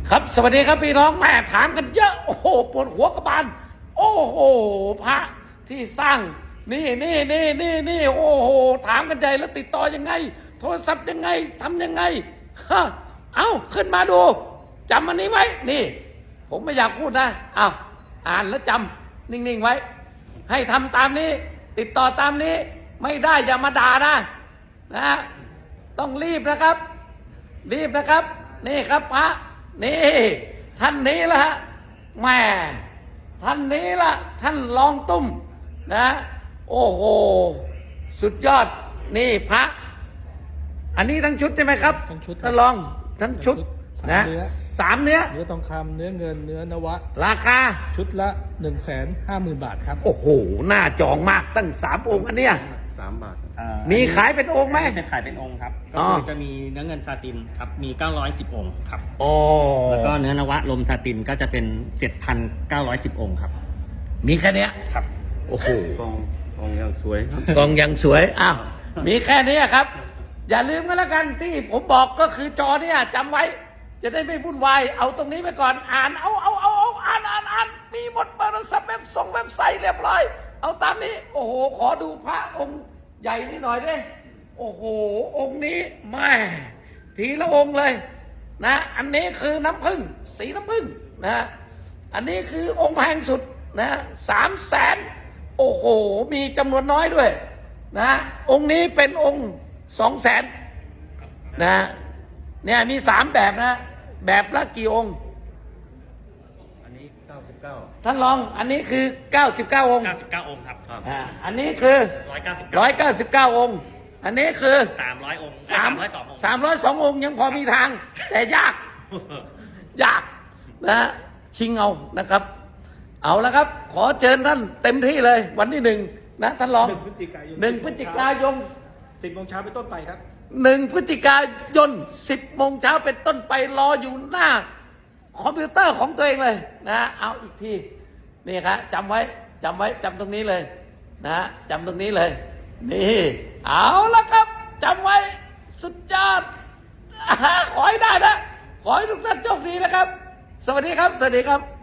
ครับสวัสดีครับพี่น้องแม่ถามกันเยอะโอ้โหปวดหัวกระบาลโอ้โหพระที่สร้างนี่โอ้โหถามกันใหญ่แล้วติดต่อยังไงโทรศัพท์ยังไงทำยังไงฮะเอาขึ้นมาดูจำอันนี้ไว้นี่ผมไม่อยากพูดนะเอาอ่านแล้วจำนิ่งๆไว้ให้ทำตามนี้ติดต่อตามนี้ไม่ได้อย่ามาด่านะต้องรีบนะครับนี่ครับพระนี่ท่านนี้ละฮะแม่ท่านนี้ละท่านรองตุ้มนะโอ้โหสุดยอดนี่พระอันนี้ทั้งชุดใช่ไหมครับทั้งชุดท่านรองทั้งชุดนะ3 เนื้อทองคำเนื้อเงินเนื้อนวะราคาชุดละ 150,000 บาทครับโอ้โหน่าจองมากตั้ง3 องค์อันเนี้ย 3 บาทมีขายเป็นองค์ไหมเป็นขายเป็นองค์ครับก็คือจะมีเนื้อเงินซาตินครับมี910องค์ครับโอ้แล้วก็เนื้อนวะลมซาตินก็จะเป็น 7,910 องค์ครับมีแค่นี้ครับโอ้โหกองยังสวยครับกองยังสวยอ้าวมีแค่นี้ครับอย่าลืมกันแล้วกันที่ผมบอกก็คือจอเนี่ยจำไว้จะได้ไม่วุ่นวายเอาตรงนี้ไปก่อนอ่านอ่านมีหมดเบอร์สับเว็บไซต์เรียบร้อยเอาตามนี้โอ้โหขอดูพระองค์ใหญ่นี่หน่อยดิโอ้โหองค์นี้แม่ทีละองค์เลยนะอันนี้คือน้ำผึ้งสีน้ำผึ้งนะอันนี้คือองค์แพงสุดนะ300,000โอ้โหมีจำนวนน้อยด้วยนะองค์นี้เป็นองค์200,000นะเนี่ยมี3แบบนะแบบละกี่องค์อันนี้99 ท่านรองอันนี้คือ99องค์ 99องค์ครับอันนี้คือ199องค์อันนี้คือ 300องค์ 302องค์ยังพอมีทางแต่ยากนะชิงเอานะครับเอาแล้วครับขอเชิญท่านเต็มที่เลยวันที่1นะท่านรอง1 พฤศจิกายน 10 โมงเช้าเป็นต้นไปครับ 1 พฤศจิกายน10 โมงเช้าเป็นต้นไปรออยู่หน้าคอมพิวเตอร์ของตัวเองเลยนะเอาอีกทีนี่ครับจำไว้จำตรงนี้เลยนะจำตรงนี้เลยนี่เอาละครับจำไว้สุดยอดขอให้ได้นะขอให้ทุกท่านโชคดีนะครับสวัสดีครับ